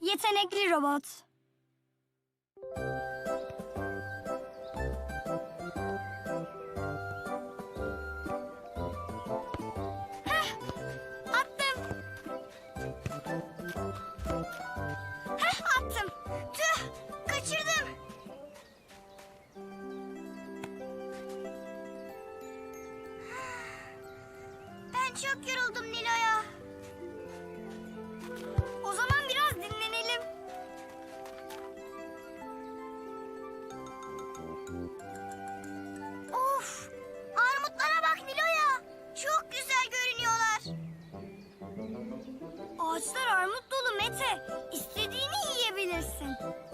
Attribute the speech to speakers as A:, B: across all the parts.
A: Yetenekli robot. Heh, attım. Attım. Tüh, kaçırdım. Ben çok yoruldum Nilo'ya. O zaman biraz dinlenelim. Of! Armutlara bak Nilo'ya. Çok güzel görünüyorlar. Ağaçlar armut dolu Mete. İstediğini yiyebilirsin.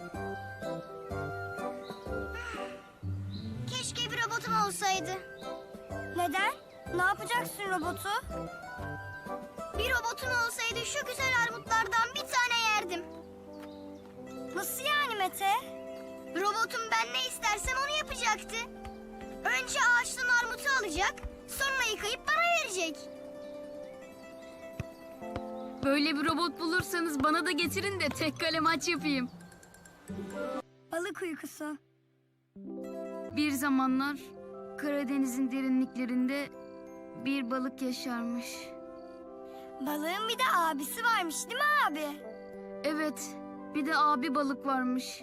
A: Keşke bir robotum olsaydı. Neden? Ne yapacaksın robotu? Bir robotum olsaydı şu güzel armutlardan bir tane yerdim. Nasıl yani Mete? Robotum ben ne istersem onu yapacaktı. Önce ağaçtan armutu alacak, sonra yıkayıp bana verecek.
B: Böyle bir robot bulursanız bana da getirin de tek kale maç yapayım.
A: Balık uykusu.
B: Bir zamanlar Karadeniz'in derinliklerinde bir balık yaşarmış.
A: Balığın bir de abisi varmış değil mi abi?
B: Evet, bir de abi balık varmış.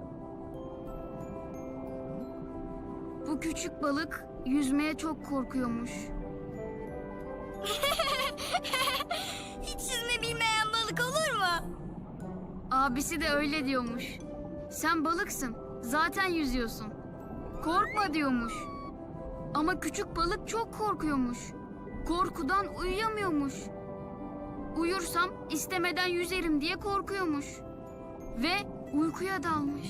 B: Bu küçük balık yüzmeye çok korkuyormuş.
A: Hiç yüzme bilmeyen balık olur mu?
B: Abisi de öyle diyormuş. Sen balıksın, zaten yüzüyorsun. Korkma diyormuş. Ama küçük balık çok korkuyormuş. Korkudan uyuyamıyormuş. Uyursam istemeden yüzerim diye korkuyormuş. Ve uykuya dalmış.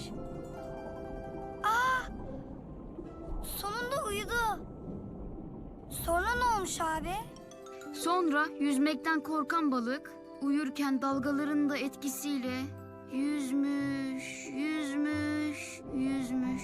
A: Sonunda uyudu. Sonra ne olmuş abi?
B: Sonra yüzmekten korkan balık uyurken dalgaların da etkisiyle yüzmüş, yüzmüş, yüzmüş.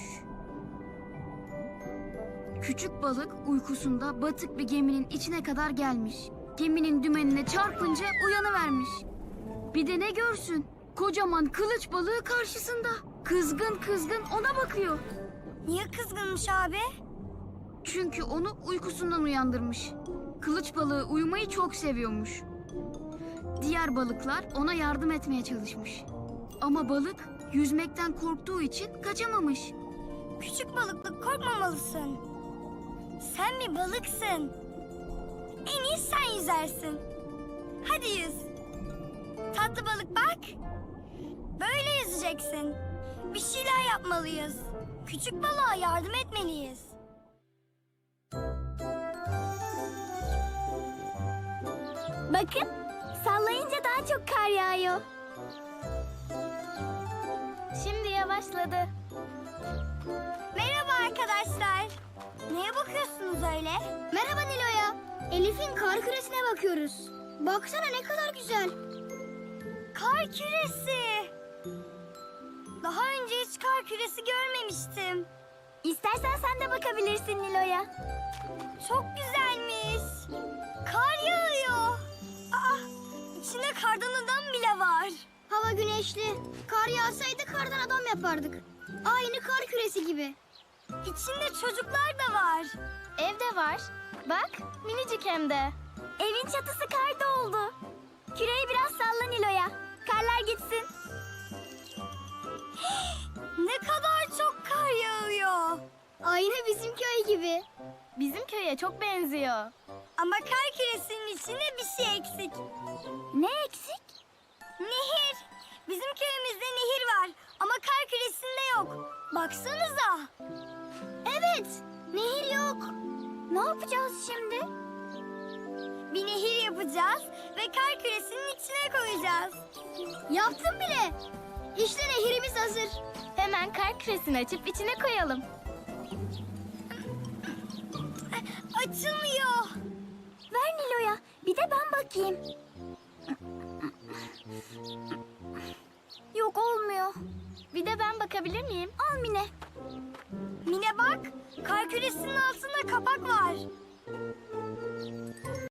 B: Küçük balık uykusunda batık bir geminin içine kadar gelmiş. Geminin dümenine çarpınca uyanıvermiş. Bir de ne görsün? Kocaman kılıç balığı karşısında. Kızgın kızgın ona bakıyor.
A: Niye kızgınmış abi?
B: Çünkü onu uykusundan uyandırmış. Kılıç balığı uyumayı çok seviyormuş. Diğer balıklar ona yardım etmeye çalışmış. Ama balık yüzmekten korktuğu için kaçamamış.
A: Küçük balıklık korkmamalısın. Sen bir balıksın. En iyi sen yüzersin. Hadi yüz. Tatlı balık bak. Böyle yüzeceksin. Bir şeyler yapmalıyız. Küçük balığa yardım etmeliyiz. Bakın, sallayınca daha çok kar yağıyor. Şimdi yavaşladı. Merhaba arkadaşlar. Neye bakıyorsunuz öyle? Merhaba Nilo'ya. Elif'in kar küresine bakıyoruz. Baksana ne kadar güzel. Kar küresi. Daha önce hiç kar küresi görmemiştim. İstersen sen de bakabilirsin Nilo'ya. Çok güzelmiş. Kar yağıyor. Aa, içinde kardan adam bile var. Hava güneşli. Kar yağsaydı kardan adam yapardık. Aynı kar küresi gibi. İçinde çocuklar da var.
C: Evde var. Bak, minicik hem de.
A: Evin çatısı kar doldu. Küreyi biraz salla Nilo'ya. Karlar gitsin. Ne kadar çok kar yağıyor. Aynı bizim köy gibi.
C: Bizim köye çok benziyor.
A: Ama kar küresinin içinde bir şey eksik.
C: Ne eksik?
A: Nehir. Bizim köyümüzde nehir var ama kar küresinde yok. Baksanıza. Evet, nehir yok. Ne yapacağız şimdi? Bir nehir yapacağız ve kar küresinin içine koyacağız. Yaptım bile. İşte nehirimiz hazır.
C: Hemen kar küresini açıp içine koyalım.
A: Açılmıyor. Ver Nilo'ya. Bir de ben bakayım. Yok olmuyor.
C: Bir de ben bakabilir miyim?
A: Al Mine. Mine bak. Kar küresinin altında kapak var.